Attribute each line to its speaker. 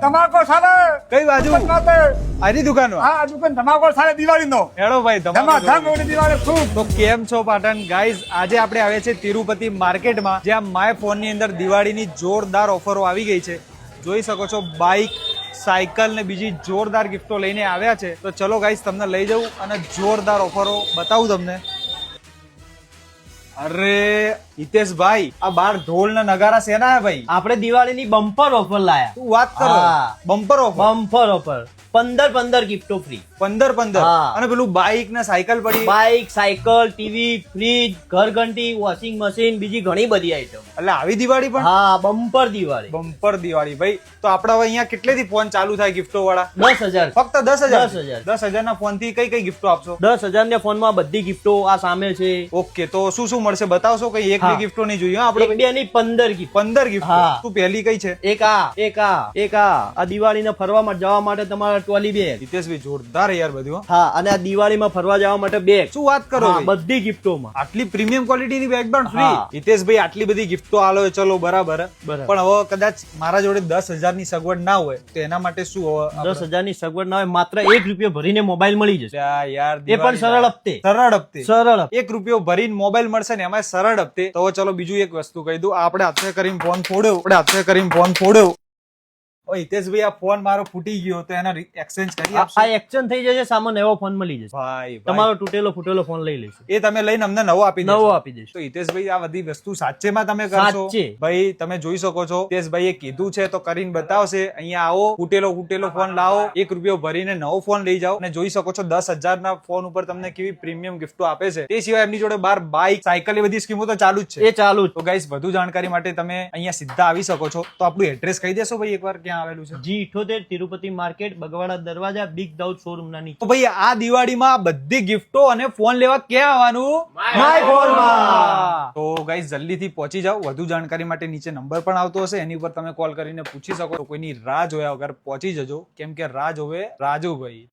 Speaker 1: ધમાકો સાલે
Speaker 2: કઈ બાજુ આની દુકાન
Speaker 1: હા આ દુકાન ધમાકો સાલે દિવાળીનો
Speaker 2: હેડો ભાઈ
Speaker 1: ધમાધમ ઓડી દિવાળી ખૂબ.
Speaker 2: તો કેમ છો પાટણ ગાઈઝ? આજે આપણે આવ્યા છે તિરુપતિ માર્કેટમાં, જ્યાં માય ફોન ની અંદર દિવાળીની જોરદાર ઓફરો આવી ગઈ છે. જોઈ શકો છો બાઇક, સાયકલ ને બીજી જોરદાર ગિફ્ટો લઈને આવ્યા છે. તો ચલો ગાઈઝ તમને લઈ જાઉં અને જોરદાર ઓફરો બતાવું તમને. અરે હિતેશભાઈ, આ બાર ઢોલ ને નગારા શેના હે ભાઈ?
Speaker 3: આપણે દિવાળીની બમ્પર ઓફર લાયા.
Speaker 2: તું વાત કરો.
Speaker 3: હા.
Speaker 2: બમ્પર ઓફર,
Speaker 3: બમ્પર ઓફર 15 ગિફ્ટો ફ્રી.
Speaker 2: 15
Speaker 3: હા.
Speaker 2: અને પેલું બાઇક ને સાયકલ પડી.
Speaker 3: બાઇક, સાયકલ, ટીવી, ફ્રીજ, ઘરઘંટી, વોશિંગ મશીન, બીજી ઘણી બધી આઈટમ.
Speaker 2: એટલે આવી દિવાળી પણ?
Speaker 3: હા, બમ્પર દિવાળી.
Speaker 2: બમ્પર દિવાળી ભાઈ. તો આપણે હવે અહીંયા કેટલેથી ફોન ચાલુ થાય ગિફ્ટો વાળા?
Speaker 3: 10,000.
Speaker 2: ફક્ત 10,000.
Speaker 3: 10,000.
Speaker 2: 10,000 ના ફોન થી કઈ કઈ ગિફ્ટો આપશો?
Speaker 3: 10,000 ના ફોનમાં બધી ગિફ્ટો આ સામે છે.
Speaker 2: ઓકે, તો શું શું મળશે બતાવશો? કઈ એક
Speaker 3: હા.
Speaker 2: બે ગિફ્ટો નહીં જોઈએ આપણે.
Speaker 3: એક બે ની 15 ગિફ્ટ.
Speaker 2: 15 ગિફ્ટ.
Speaker 3: હા.
Speaker 2: તું પહેલી કઈ છે?
Speaker 3: એક આ દિવાળીને ફરવા જવા માટે તમારા ટ્રોલી બેગ.
Speaker 2: હિતેશભાઈ જોરદાર યાર બધું હો.
Speaker 3: હા, અને આ દિવાળીમાં ફરવા જવા માટે બેગ.
Speaker 2: શું વાત કરો
Speaker 3: હા,
Speaker 2: ભાઈ?
Speaker 3: બધી ગિફ્ટોમાં.
Speaker 2: આટલી પ્રીમિયમ ક્વોલિટીની બેગ પણ ફ્રી?
Speaker 3: હા.
Speaker 2: હિતેશભાઈ આટલી બધી ગિફ્ટો આલો ચલો બરાબર,
Speaker 3: બરાબર.
Speaker 2: પણ હવે કદાચ મારા જોડે 10,000 ની સગવડ ના હોય તો એના માટે શું હવે?
Speaker 3: 10,000 ની સગવડ ના હોય, માત્ર ₹1 ભરીને મોબાઈલ મળી જશે.
Speaker 2: યાર
Speaker 3: એ પણ સરળ હપ્તે.
Speaker 2: સરળ હપ્તે.
Speaker 3: સરળ.
Speaker 2: ₹1 ભરીને મોબાઈલ મળશે ને એમાં સરળ હપ્તે. તો ચલો બીજું એક વસ્તુ કહી દઉં. આપણે હાથે કરીને ફોન ફોડ્યો. ઓ હિતેશભાઈ, આ ફોન મારો ફૂટી ગયો તો એના એક્સચેન્જ કરી આપશો?
Speaker 3: આ એક્સચેન્જ થઈ જશે, સામાન નવો ફોન મળી જશે.
Speaker 2: ભાઈ
Speaker 3: તમારો તૂટેલો ફૂટેલો ફોન લઈ લેશું.
Speaker 2: એ તમે લઈને અમને નવો આપી
Speaker 3: નવો
Speaker 2: દેશો?
Speaker 3: આપી દઈશું.
Speaker 2: તો હિતેશભાઈ આ બધી વસ્તુ સાચેમાં તમે કરશો?
Speaker 3: સાચે.
Speaker 2: ભાઈ તમે જોઈ શકો છો, હિતેશભાઈએ કીધું છે તો કરીને બતાવશે. અહીંયા આવો, ફૂટેલો ફોન લાવો, ₹1 ભરીને નવો ફોન લઈ જાઓ. અને જોઈ શકો છો 10,000 ના ફોન ઉપર તમને કેવી પ્રીમિયમ ગિફ્ટો આપે છે. તે સિવાય એમની જોડે બાર બાઇક, સાયકલ એ બધી સ્કીમો તો ચાલુ જ છે.
Speaker 3: એ ચાલુ જ.
Speaker 2: તો ગાઈસ વધુ જાણકારી માટે તમે અહીંયા સીધા આવી શકો છો. તો આપણું એડ્રેસ કહી દેશો ભાઈ એકવાર, ક્યાં આવેલું છે?
Speaker 3: G78 તિરુપતિ માર્કેટ, બગવાડા દરવાજા, બિગ દાઉદ શોરૂમ ના નીચે.
Speaker 2: તો ભાઈ આ દિવાળીમાં બધી ગિફ્ટો અને ફોન લેવા ક્યાં આવવાનું?
Speaker 3: માય ફોનમાં.
Speaker 2: તો ગાઈસ જલ્દીથી પહોંચી જાઓ. વધુ જાણકારી માટે નીચે નંબર પણ આવતો હશે, એની ઉપર તમે કોલ કરીને પૂછી શકો. તો કોઈની રાહ જોયા વગર પહોંચી જજો, કેમ કે રાહ જોવે રાજુભાઈ.